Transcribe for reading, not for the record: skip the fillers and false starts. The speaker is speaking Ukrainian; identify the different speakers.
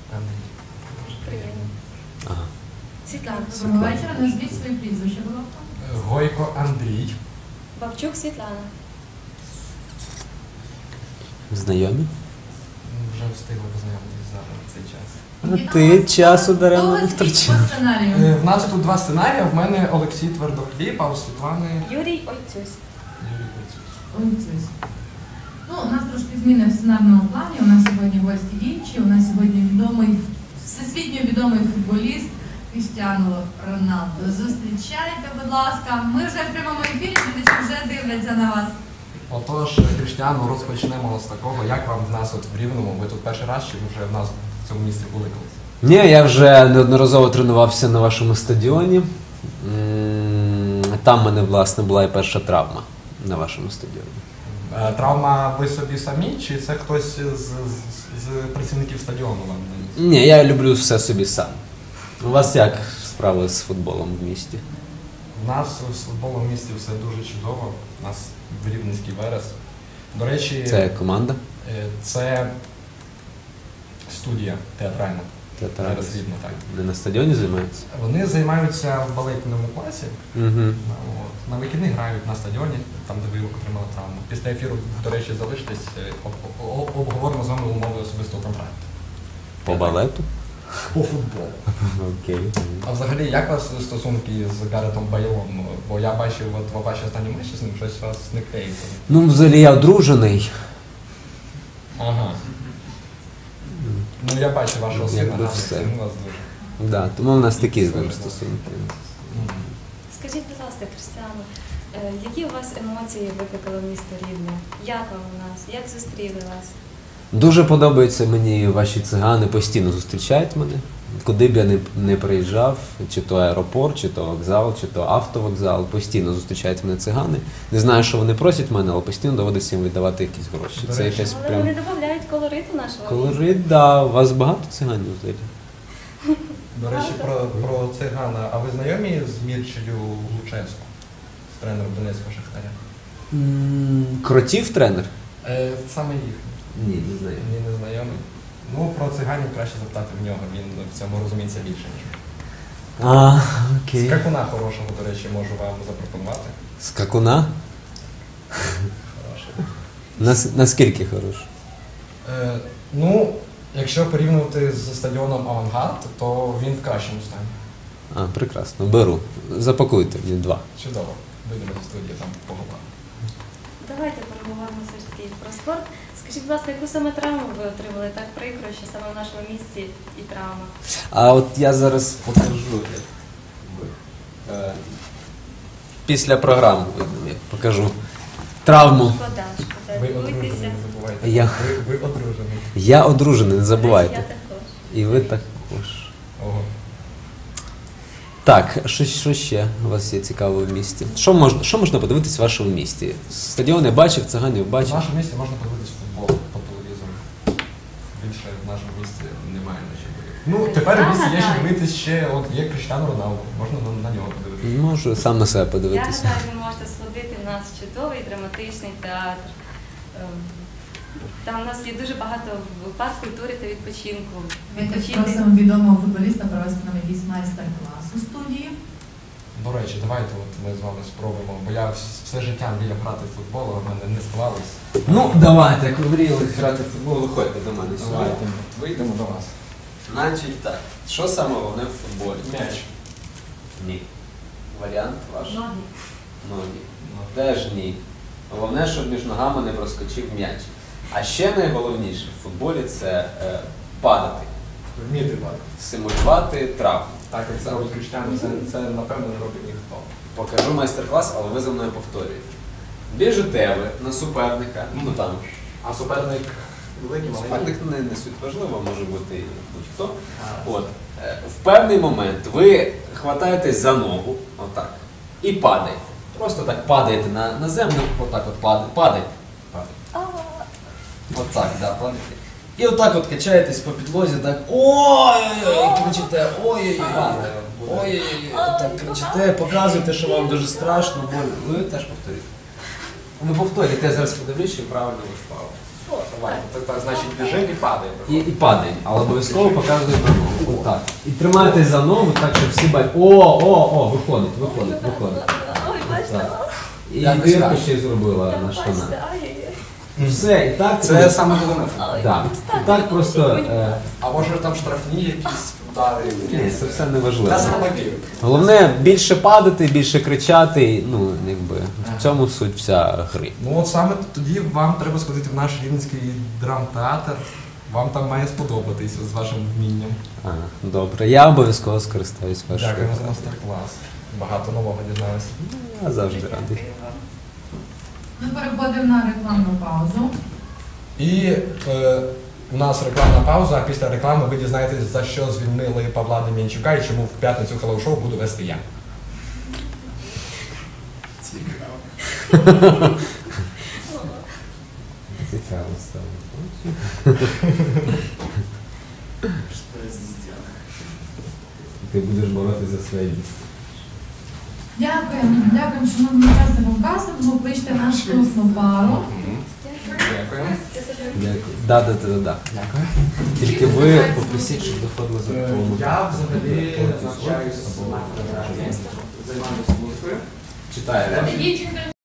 Speaker 1: Андрій.
Speaker 2: Приємно.
Speaker 3: Ага.
Speaker 2: Світлана.
Speaker 4: Доброго вечора. Назвіть своє прізвище, будь ласка.
Speaker 1: Гойко Андрій.
Speaker 2: Бабчук Світлана.
Speaker 3: Знайомі?
Speaker 1: Вже встигли познайомитись за цей час.
Speaker 3: А ти часу даремно не втрачав.
Speaker 1: В нас тут два сценарії. В мене Олексій Твердохліб, а у Світлани
Speaker 2: Юрій Ойцюсь.
Speaker 1: Юрій Куцюк.
Speaker 4: Ой, ну, у нас трошки зміни в сценарному плані. У нас сьогодні гості інші. У нас сьогодні всесвітньо відомий футболіст Кріштіану Роналдо. Зустрічайте, будь ласка. Ми вже в прямому ефірі, глядачі вже дивляться на вас.
Speaker 1: Отож, Кріштіану, розпочнемо з такого. Як вам в нас от в Рівному? Ви тут перший раз, чи ви вже в нас в цьому місці були колись?
Speaker 3: Ні, я вже неодноразово тренувався на вашому стадіоні. Там в мене, власне, була і перша травма на вашому стадіоні.
Speaker 1: Травма ви собі самі, чи це хтось з працівників стадіону вам наніс?
Speaker 3: Ні, я люблю все собі сам. У вас як справи з футболом в місті?
Speaker 1: У нас з футболом в місті все дуже чудово. У нас в Рівненський Верес. До речі,
Speaker 3: Це команда?
Speaker 1: це студія театральна.
Speaker 3: Театральна.
Speaker 1: Верес Рівне, так.
Speaker 3: Не на стадіоні займаються?
Speaker 1: Вони займаються в балетному класі.
Speaker 3: Угу.
Speaker 1: На вихідних грають на стадіоні, там де ви отримали травму. Після ефіру, до речі, залиштесь, обговоримо з вами умови особистого контракту.
Speaker 3: По балету?
Speaker 1: По футболу.
Speaker 3: Окей.
Speaker 1: А взагалі, як у вас стосунки з Гаретом Бейлом? Бо я бачив от ваші останні матчі з ним, щось у вас не клеїться.
Speaker 3: Ну, взагалі я одружений.
Speaker 1: Ага. Ну я бачу вашого сина,
Speaker 3: Якби
Speaker 1: гарний
Speaker 3: все.
Speaker 1: син у вас дуже.
Speaker 3: Да, тому в нас такі з ним стосунки.
Speaker 2: Скажіть, будь ласка, Крістіану, які у вас емоції викликало місто Рівне? Як вам у нас? Як зустріли вас?
Speaker 3: Дуже подобаються мені ваші цигани, постійно зустрічають мене. Куди б я не приїжджав, чи то аеропорт, чи то вокзал, чи то автовокзал, постійно зустрічають мене цигани. Не знаю, що вони просять мене, але постійно доводиться їм віддавати якісь гроші.
Speaker 1: До
Speaker 3: Це
Speaker 1: речі.
Speaker 3: якась
Speaker 2: Але
Speaker 3: прям...
Speaker 2: вони додають колориту нашого міста.
Speaker 3: Колорит, да. У вас багато циганів взагалі?
Speaker 1: До речі, про цигана. А ви знайомі з Мірчею Луческу, з тренером Донецького Шахтаря?
Speaker 3: Кротів тренер?
Speaker 1: Саме їх.
Speaker 3: Ні, не знаю.
Speaker 1: Ні, не знайомий. Ну, про циганів краще запитати в нього, він в цьому розуміється більше, ніж ви.
Speaker 3: А, окей.
Speaker 1: Скакуна хорошого, до речі, можу вам запропонувати.
Speaker 3: Скакуна?
Speaker 1: Хороший.
Speaker 3: Наскільки хороший?
Speaker 1: Ну, якщо порівнювати з стадіоном Авангард, то він в кращому стані.
Speaker 3: А, прекрасно. Беру. Запакуйте мені 2.
Speaker 1: Чудово. Вийдемо до студії, там поговоримо.
Speaker 2: Давайте поговоримо все ж таки про спорт. Скажіть, будь ласка, яку саме травму ви отримали? Так прикро, що саме в нашому місті і травма.
Speaker 3: А от я зараз покажу. Після програми я покажу травму.
Speaker 2: Шкода, шкода.
Speaker 1: Ви одружений,
Speaker 2: Дивуйтеся.
Speaker 1: не забувайте.
Speaker 3: Я-
Speaker 1: Ви одружений.
Speaker 3: Я одружений, не
Speaker 2: Я
Speaker 3: забувайте.
Speaker 2: також.
Speaker 3: І ви також.
Speaker 1: Ого.
Speaker 3: Так, що ще у вас є цікавого в місті? Що можна подивитись в вашому місті? Стадіон я бачив, циганів
Speaker 1: В
Speaker 3: бачив.
Speaker 1: нашому місті можна подивитися футбол по телевізору. Більше в нашому місті немає на що дивитися. Ну, тепер в місті є що дивитися ще, от є Кріштіану Роналдо, можна на нього подивитися.
Speaker 3: Можу сам на себе
Speaker 2: Я
Speaker 3: подивитися.
Speaker 2: гадаю, ви можете сходити, в нас чудовий драматичний театр. Там у нас є дуже багато парк культури та відпочинку.
Speaker 4: Ми теж
Speaker 2: Відпочити.
Speaker 4: просимо відомого футболіста провести нам якийсь майстер-клас у студії.
Speaker 1: До речі, давайте от ми з вами спробуємо, бо я все життя мріяв грати в футбол, а в мене не склалось.
Speaker 3: Ну, давайте, як ви мріяли грати в футбол, виходьте до мене сюди.
Speaker 1: Давайте, вийдемо до вас.
Speaker 3: Значить так, що саме головне в футболі?
Speaker 1: М'яч.
Speaker 3: Ні. Варіант ваш?
Speaker 2: Ноги.
Speaker 3: Ноги. Теж ні. Головне, щоб між ногами не проскочив м'яч. А ще найголовніше в футболі це падати,
Speaker 1: Вміти падати.
Speaker 3: симулювати травму.
Speaker 1: Так, як це робить Кріштіану, це напевно не робить ніхто.
Speaker 3: Покажу майстер-клас, але ви за мною повторюєте. Біжите ви на суперника, ну там,
Speaker 1: А суперник великий, маленький?
Speaker 3: суперник не суть важливо, може бути і будь-хто. От. В певний момент ви хватаєтесь за ногу, отак, і падаєте. Просто так падаєте на землю, отак от падаєте. Отак, да, падаєте. І отак от качаєтесь по підлозі, так ой-ой-ой, кричите, ой-ой-ой, ой-ой-ой, так кричите, показуєте, що вам дуже страшно, больно. Ви теж повторюєте. Ви повторюєте, я зараз подивлюсь, чи правильно ви впали.
Speaker 2: О,
Speaker 1: Давай,
Speaker 2: так.
Speaker 1: так, значить біжимо і падаємо.
Speaker 3: І падаємо, але обов'язково показуємо на ногу. Отак. І тримайтесь за ногу, так, щоб всі бачать. О, виходить.
Speaker 2: Ой, бачите,
Speaker 3: Так. І
Speaker 1: Якось
Speaker 3: дірку
Speaker 1: так.
Speaker 3: ще й зробила на
Speaker 2: бачите,
Speaker 3: штанах.
Speaker 2: ай-яй-яй.
Speaker 3: Все, і так.
Speaker 1: Це саме головне.
Speaker 2: Ой,
Speaker 3: Так.
Speaker 2: достатньо,
Speaker 3: І так просто.
Speaker 2: мені
Speaker 1: А може там штрафні якісь удари?
Speaker 3: Ні, це все не важливо.
Speaker 1: Я слабаків.
Speaker 3: Головне більше падати, більше кричати. Ну, якби в цьому суть вся гри.
Speaker 1: Ну от саме тоді вам треба сходити в наш Рівненський драмтеатр. Вам там має сподобатися з вашим вмінням.
Speaker 3: Добре, я обов'язково скористаюсь вашою.
Speaker 1: Дякуємо за мастер-клас. Багато нового дізналися.
Speaker 3: Я завжди радий.
Speaker 4: Ми переходимо на рекламну паузу.
Speaker 1: І у нас рекламна пауза, а після реклами ви дізнаєтесь, за що звільнили Павла Дем'янчука і чому в п'ятницю Hello Show буду вести я.
Speaker 3: Цікаво стало. Ти будеш боротися за своє місце.
Speaker 4: Дякуємо, шановні учасникам кастингу. Кличте нашу класну пару.
Speaker 1: Дякуємо.
Speaker 3: Дякую. Да.
Speaker 1: Дякую.
Speaker 3: Тільки ви попросіть, щоб доходили за допомогою.
Speaker 1: Я взагалі навчаюся, займаюся службою.
Speaker 3: Читаю.
Speaker 4: Дівчинка